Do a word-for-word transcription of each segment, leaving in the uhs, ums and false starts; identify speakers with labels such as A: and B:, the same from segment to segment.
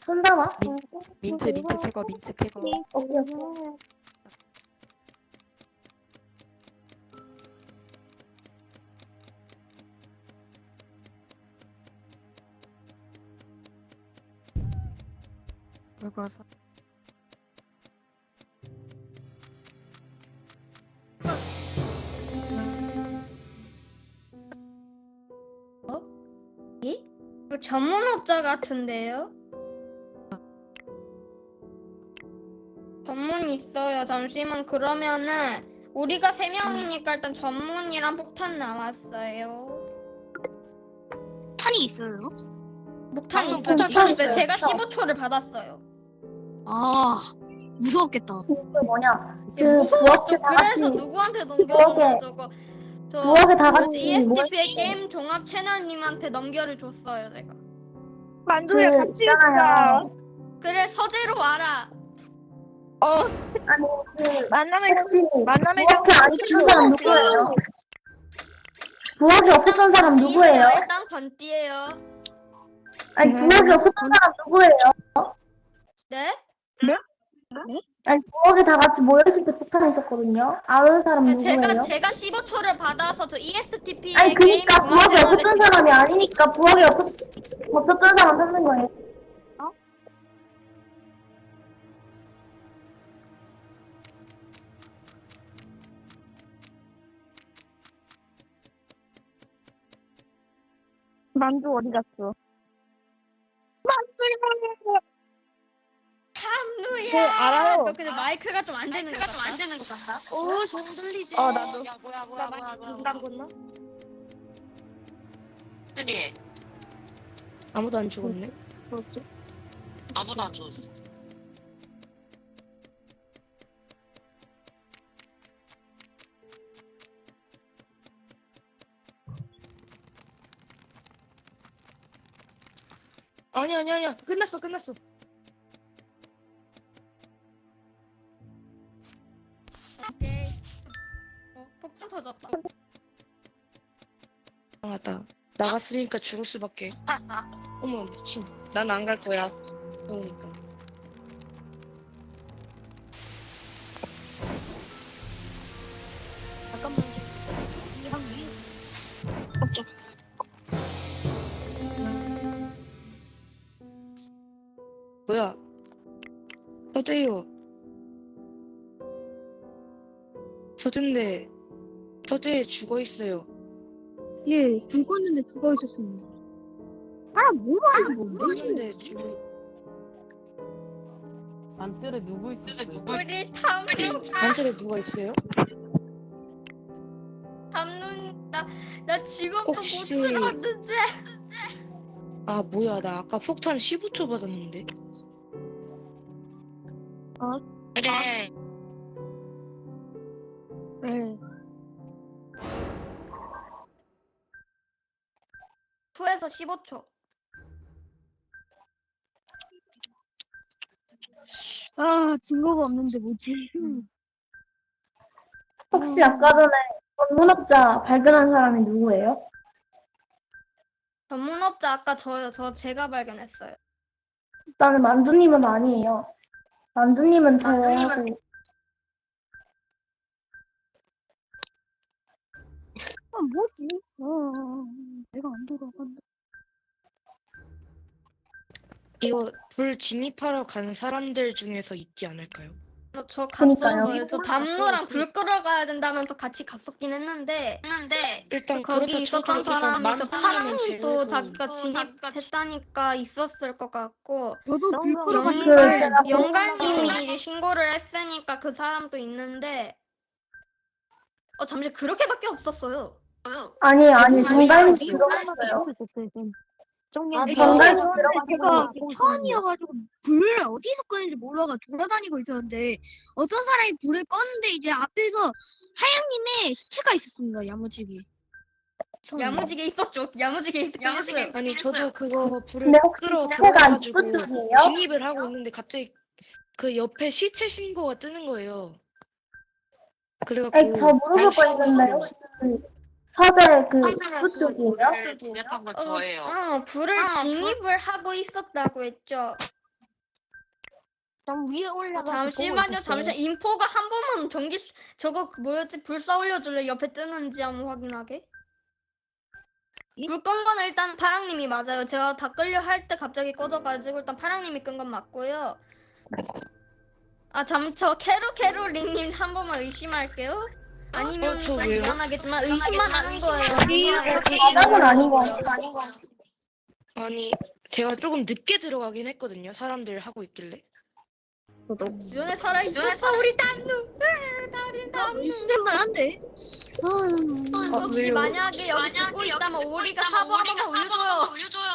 A: 손잡아?
B: 민, 민트 민트 캐거 민트 캐거.
A: 오케이, 오케이.
B: 그거서
C: 그 전문업자 같은데요? 전문 있어요. 잠시만. 그러면은 우리가 세 명이니까 일단 전문이랑 폭탄 나왔어요.
D: 탄이 있어요?
C: 목탄
A: 방금
C: 있어요.
A: 폭탄
C: 목탄 있어요.
A: 있어요.
C: 제가
A: 폭탄.
C: 십오 초를 받았어요.
D: 아, 무서웠겠다.
A: 그 뭐냐? 그
C: 무서웠죠.
A: 부엌에 다
C: 그래서
A: 같이
C: 누구한테 넘겨줬나
A: 부엌에-
C: 저거. 저
A: 부엌에 다
C: 뭐지?
A: 같이
C: 이에스티피의
A: 모였어요.
C: 게임 종합 채널님한테 넘겨를 줬어요 제가.
E: 만두야
A: 그
E: 같이
A: 있잖아요.
C: 그래 서재로 와라.
A: 아니 그
E: 만남의
A: 혹시
E: 만남의
A: 부엌에 안 있었던 사람 누구예요? 부엌에 없었던 사람 누구예요?
C: 일단 건띠예요.
A: 아니 부엌에 없었던 사람 누구예요?
C: 네?
A: 아니 부엌에 다 같이 모여있을 때 폭탄 있었거든요. 아는 사람 누구예요?
C: 제가 제가 십오 초를 받아서 저 이에스티피의
A: 아니
C: 게임
A: 그니까
C: 종합
A: 부엌에
C: 채널에
A: 없었던 사람이 아니니까 부엌에 없었, 없었던 사람 찾는 거예요.
E: 만두 어디 갔어?
C: 참누야.
E: 네, 알아요.
C: 너 근데 마이크가 좀 안 되는 것 같다.
D: 안 되는 것 같다.
E: 오, 좀 들리지?
B: 어 나도.
E: 야, 뭐야, 뭐야, 뭐야, 뭐야. 누구랑 건너?
F: 그래
B: 아무도 안 죽었네.
E: 그렇지.
F: 아무도 안 줬어.
B: 아니 아니 아니야. 끝났어 끝났어.
C: 오케이. 어, 폭탄 터졌다.
B: 아, 맞다. 나갔으니까 죽을 수밖에. 어머 미친. 난 안 갈 거야. 그러니까.
D: 잠깐만. 이방 위.
B: 뭐야? 서재요. 서재인데 서재에 죽어 있어요.
D: 예, 죽었는데 죽어 있었습니다. 아, 뭐가 안 죽었는데?
B: 죽었는데 죽어.
G: 안뜰에 누구 있어?
C: 우리 탐누
B: 관절에 누가 있어요?
C: 탐누 나나 직업도 못
B: 혹시-
C: 들었는데.
B: 아 뭐야 나 아까 폭탄 십오 초 받았는데.
F: 그래
D: 네.
C: 초에서 십오 초.
D: 아, 증거가 없는데 뭐지?
A: 혹시 아까 전에 전문업자 발견한 사람이 누구예요?
C: 전문업자 아까 저요. 저 제가 발견했어요.
A: 나는 만두님은 아니에요. 만두님은 제외하고
D: 아, 뭐지? 아, 내가 안 돌아간다.
B: 이거 불 진입하러 간 사람들 중에서 있지 않을까요?
C: 저, 저
A: 그니까요.
C: 갔었어요. 저 담루랑 불 끌어가야 된다면서 같이 갔었긴 했는데 했는데
B: 일단
C: 거기
B: 그렇다
C: 있었던
B: 쳐도 일단
C: 사람이 저
B: 만두님은
C: 파랑도
B: 제외고.
C: 자기가 진입했다니까 있었을 것 같고
D: 저도 불
E: 영광.
D: 끌어가
A: 그
C: 영갈
A: 제가
C: 영갈님이 이제 신고를 했으니까 그 사람도 있는데 어 잠시 그렇게밖에 없었어요.
A: 아니 아니
B: 대부분
A: 정갈님
B: 아니에요.
A: 들어갔어요.
E: 정년
A: 아,
D: 저
A: 정갈님
D: 처음에
A: 들어가서
D: 제가
E: 보고
D: 처음이어가지고 불을 어디서 끄는지 몰라가 돌아다니고 있었는데 어떤 사람이 불을 껐는데 이제 앞에서 하양님의 시체가 있었습니다. 야무지게. 처음에.
C: 야무지게 있었죠. 야무지게 있-
F: 야무지게
C: 있었어요.
B: 아니 저도 그거 불을
A: 근데 혹시
B: 끌어
A: 시체가
B: 들어가가지고
A: 입구 쪽이에요?
B: 진입을 하고 있는데 갑자기 그 옆에 시체 신고가 뜨는 거예요. 그래갖고
A: 아니 저 물어볼 거 있는데 혹시 서재 그 입구 쪽이에요?
F: 불을 진입한 건
C: 어,
F: 저예요.
C: 어 불을 진입을 하고 있었다고 했죠.
D: 난 위에
C: 어,
D: 올라가서
C: 잠시만요. 잠시만. 인포가 한 번만 전기 시- 저거 그 뭐였지? 불사 올려줄래? 옆에 뜨는지 한번 확인하게. 불 끈 거는 일단 파랑님이 맞아요. 제가 다 끌려 할 때 갑자기 꺼져가지고 일단 파랑님이 끈 건 맞고요. 아, 잠, 저 캐로 캐로리님 한 번만 의심할게요. 아니면
B: 어, 저
C: 좀
B: 왜요?
C: 미안하겠지만 의심만 하는 거예요.
A: 아니요,
C: 누구나 그렇게
A: 마담은 아닌 것
C: 거예요.
A: 같아요.
B: 아니 제가 조금 늦게 들어가긴 했거든요. 사람들 하고 있길래.
C: 눈에 살아 있었어 우리 담누. 으, 다리 담누.
D: 수색만 한데. 아,
C: 혹시
B: 왜요?
C: 만약에 여기 듣고 있다면 오리가 사보 한 번만 올려줘요.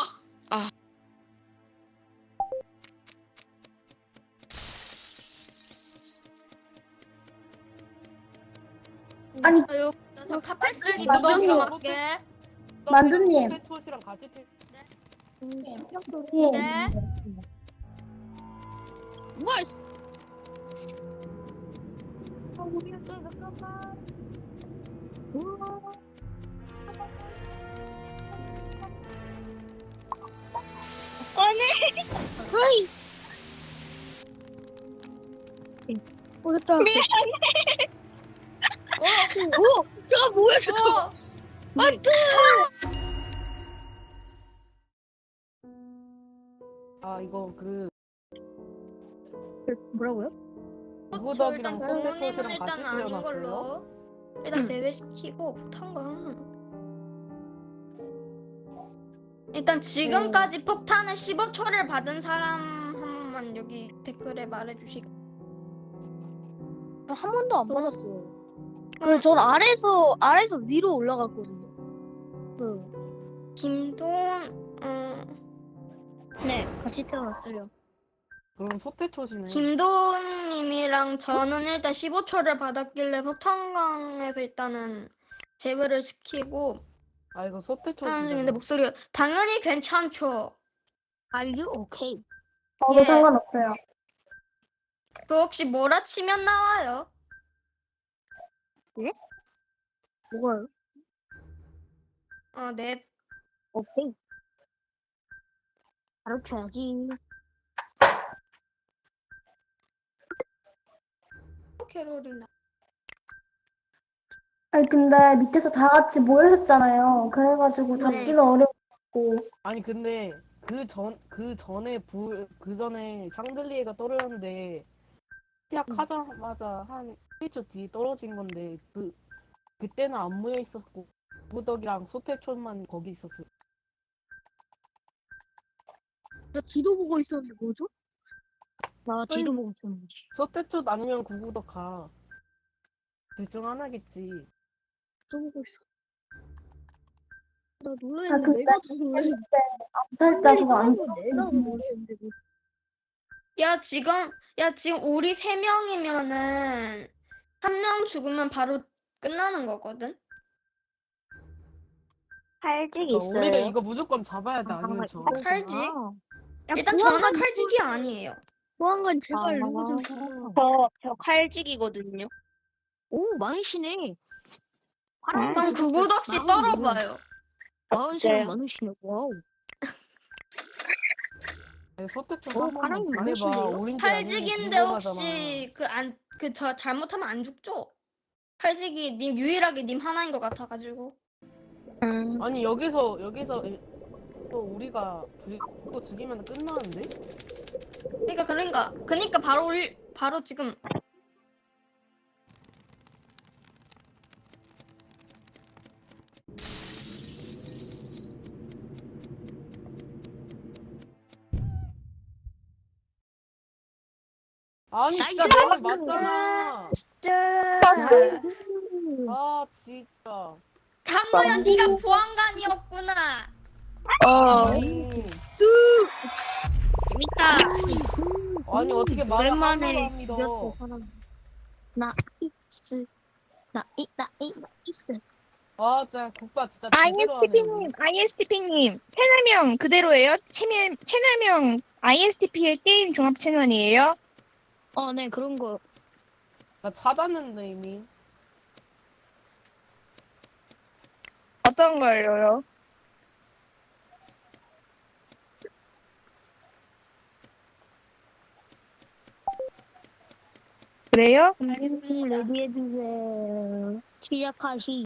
A: 아니,
C: 아유, 저 카펫 쓸기
A: 만두님.
C: 무조건 할게.
A: 만두님.
G: 소tet초시랑 같이 태...
A: 예.
C: 네.
D: 뭐야? 허이. 어, 됐다.
C: 어,
D: 오, 저거 뭐야, 저거?
C: 어,
G: 아 이거 그
D: 뭐라고요?
C: 저
G: 구구덕이랑
C: 일단 동호님은
G: 소tet초시랑
C: 일단
G: 같이
C: 아닌
G: 태어났어요?
C: 걸로 일단 제외시키고 폭탄광. 일단 지금까지 폭탄을 십오 초를 받은 사람 한 번만 여기 댓글에 말해주시고.
D: 한 번도 안 맞았어요. 그, 전 아래에서, 아래에서 위로 올라갔거든요. 그,
C: 김돈, 어,
D: 네, 같이 태어났어요.
G: 그럼 소tet초시네.
C: 김돈님이랑 저는 일단 십오 초를 받았길래 폭탄광에서 일단은 제외를 시키고
G: 아 이거
C: 하는
G: 소tet초시잖아.
C: 중인데 목소리가 당연히 괜찮죠.
D: Are you okay?
A: 저도
C: 예.
A: 상관없어요.
C: 그 혹시 뭐라 치면 나와요?
D: 뭐가요?
C: 어, 네.
D: 오케이. 가르쳐야지.
C: 캐롤이나.
A: 아니, 근데 밑에서 다 같이 모여 있었잖아요. 그래가지고 잡기는 어려웠고.
G: 아니 근데 그 전 그 전에 불 그 전에 샹들리에가 떨어졌는데 시작하자마자 한 일 초 뒤에 떨어진 건데 그 그때는 안 모여 있었고 구구덕이랑 소tet초만 거기 있었어요.
D: 저 지도 보고 있었는데 뭐죠? 나 지도 보고 있었는데.
G: 소tet초 아니면 구구덕 가. 둘 중 하나겠지.
D: 지도 보고 있어. 나
A: 아,
D: 놀랬는데
A: 근데
D: 내가 더 놀랬는데.
A: 암살자 그거 안
D: 거 내가 더 놀랬는데. 뭐.
C: 야, 지금, 야, 지금 우리 세 명이면은 한 명 죽으면 바로 끝나는 거거든?
E: 칼직
G: 어, 우리는
E: 있어요.
G: 이거 무조건 잡아야 돼. 아니면 져.
C: 칼직?
D: 야,
C: 일단
D: 보안관
C: 저는 칼직이 아니에요.
D: 보안관 제발 누구 좀 잡아.
E: 저, 저 칼직이거든요.
D: 오, 많으시네.
C: 그럼 구구덕 씨 썰어봐요.
D: 마흔
E: 진짜요?
D: 사람 많으시네. 와우.
G: 소tet초
D: 어,
G: 한 번만
D: 바람이
G: 보내봐.
D: 많으신데요?
G: 오렌지 아니면
C: 칼직인데
G: 궁금하잖아.
C: 혹시 그 안, 그 저 잘못하면 안 죽죠? 칼직이 님 유일하게 님 하나인 것 같아가지고.
E: 음,
G: 아니 여기서 여기서 에- 또 우리가 불고 죽이면 끝나는데?
C: 그러니까 그러니까 그러니까 바로 올 바로 지금
G: 아니 진짜 너는 맞잖아.
C: 짠.
G: 아 진짜.
C: 잠모야 네가 보안관이었구나.
E: 어,
G: 아니,
E: 재밌다.
G: 아니 어떻게 말을
D: 오랜만에
G: 함부로 합니다.
D: 죽였대 사람. 나 이스. 나 이, 나 이, 나 이스.
G: 아 진짜 국밥 진짜 제대로 하네.
E: 아이엔스티피님, 아이엔스티피님, 채널명 그대로예요? 채널, 채널명 아이엔스티피의 게임 종합 채널이에요?
D: 어, 네, 그런 거.
G: 나 찾았는데 이미.
E: 어떤 걸로요? 그래요?
D: 레디해주세요. 시작하시.